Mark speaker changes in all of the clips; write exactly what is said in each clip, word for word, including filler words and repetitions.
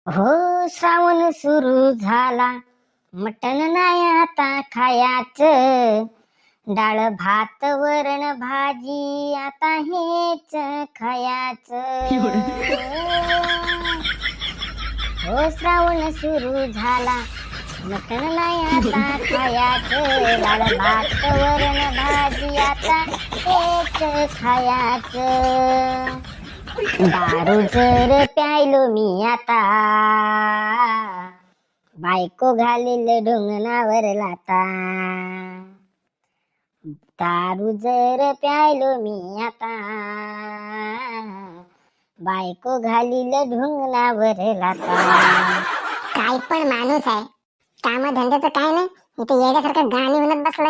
Speaker 1: हो, श्रावण सुरू झाला, मटण नाही आता खायाचं. डाळ भात वरण भाजी आता हेच खायाचं. हो, श्रावण सुरू झाला, मटण नाही आता खायाचं. डाळ भात वरण भाजी आता हेच खायाचं. दारू जर प्यायलो मी आता, बायको घालील ढुंगणावर लाता. दारू जर प्यायलो मी आता, बायको घालील ढुंगणावर लाता.
Speaker 2: काय पण माणूस आहे, काम धंद्याचं काय नाही, इथे येण्यासारखं गाणी म्हणत बसलाय.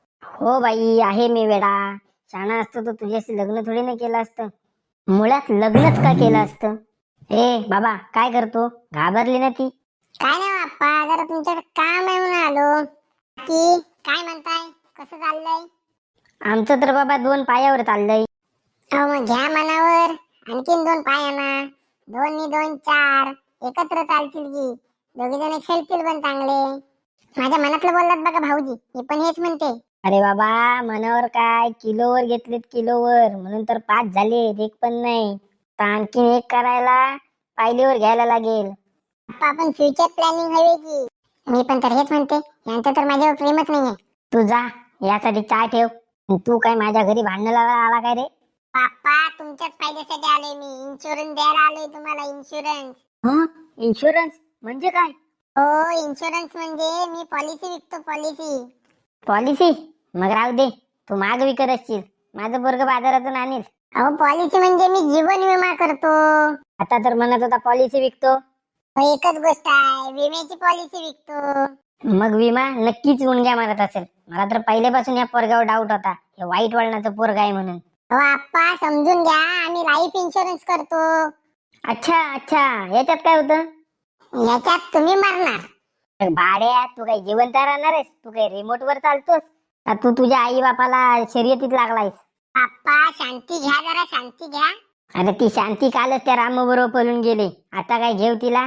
Speaker 1: हो बाई, आहे मी वेडा. शाणा असतो तर तुझ्याशी लग्न थोडी ना केलं असतं. मुळात लग्नच का केलं असतं. ए बाबा, काय करतो? घाबरली ना ती?
Speaker 2: काय नाही बाप्पा, जरा तुमच्याकडे काम आहे म्हणून आलो. की काय म्हणताय, कसं चाललंय?
Speaker 1: आमचं तर बाबा दोन पायावर चाललंय.
Speaker 2: अहो मग घ्या मनावर, आणखीन दोन पाय आणा. दोन नी दोन चार, एकत्र चालतील की. दोघे जण खेळतील पण चांगले. माझ्या मनातलं बोललात बघा भाऊजी, मी पण हेच म्हणते.
Speaker 1: अरे बाबा, मनावर काय, किलोवर घेतलेत किलोवर, म्हणून तर पाच झालेत, एक पण नाही. तर आणखीन एक करायला पायलीवर घ्यायला लागेल.
Speaker 2: बाप्पा, आपण फ्युचर प्लॅनिंग हवी की. मी पण तर हेच म्हणते, यांचं तर माझ्यावर प्रेमच नाहीये.
Speaker 1: तू जा, यासाठी चहा ठेव. तू काय माझ्या घरी भांडण लावायला आला काय रे?
Speaker 2: बाप्पा, तुमच्याच फायद्यासाठी आलोय मी. इन्शुरन्स द्यायला आलोय तुम्हाला, इन्शुरन्स.
Speaker 1: हं? इन्शुरन्स म्हणजे काय?
Speaker 2: हो, इन्शुरन्स म्हणजे मी पॉलिसी विकतो, पॉलिसी.
Speaker 1: पॉलिसी? मग राहू दे, तू माग विकत असशील, माझं पोरग बाजारातून आणील.
Speaker 2: अहो, पॉलिसी म्हणजे मी जीवन विमा करतो.
Speaker 1: आता तर म्हणत होता पॉलिसी विकतो.
Speaker 2: हो, एकच गोष्ट आहे, विम्याची पॉलिसी विकतो.
Speaker 1: मग विमा नक्कीच गुणग्या मारत असेल. मला तर पहिल्यापासून या पोरगावर डाऊट होता, हे वाईट वळणाचं पोरग आहे म्हणून.
Speaker 2: हो आप्पा, समजून घ्या, आम्ही लाईफ इन्शुरन्स करतो.
Speaker 1: अच्छा अच्छा, याच्यात काय होतं?
Speaker 2: याच्यात तुम्ही मरणार.
Speaker 1: भाड्या, तू काही जिवंत राहणार आहेस? तू काही रिमोट वर चालतोस का? तू तुझ्या आई बापाला शर्यतीत लागलायस?
Speaker 2: आप्पा, शांती घ्या, जरा शांती घ्या.
Speaker 1: अरे ती शांती कालच त्या राम बरोबर पळून गेले, आता काय घेऊ तिला?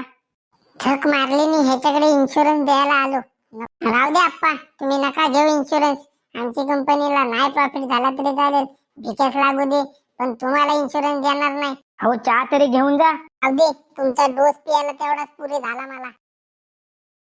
Speaker 2: झक मारली मी ह्याच्याकडे इन्शुरन्स द्यायला आलो. राहू दे आप्पा, तुम्ही नका घेऊ इन्शुरन्स. आमची कंपनीला नाही प्रॉफिट झाला तरी चालेल, भिकेच लागू दे, पण तुम्हाला इन्शुरन्स देणार नाही.
Speaker 1: अहो, चहा तरी घेऊन जा.
Speaker 2: राहू दे, तुमचा डोस पियाला तेवढाच पुरे झाला मला.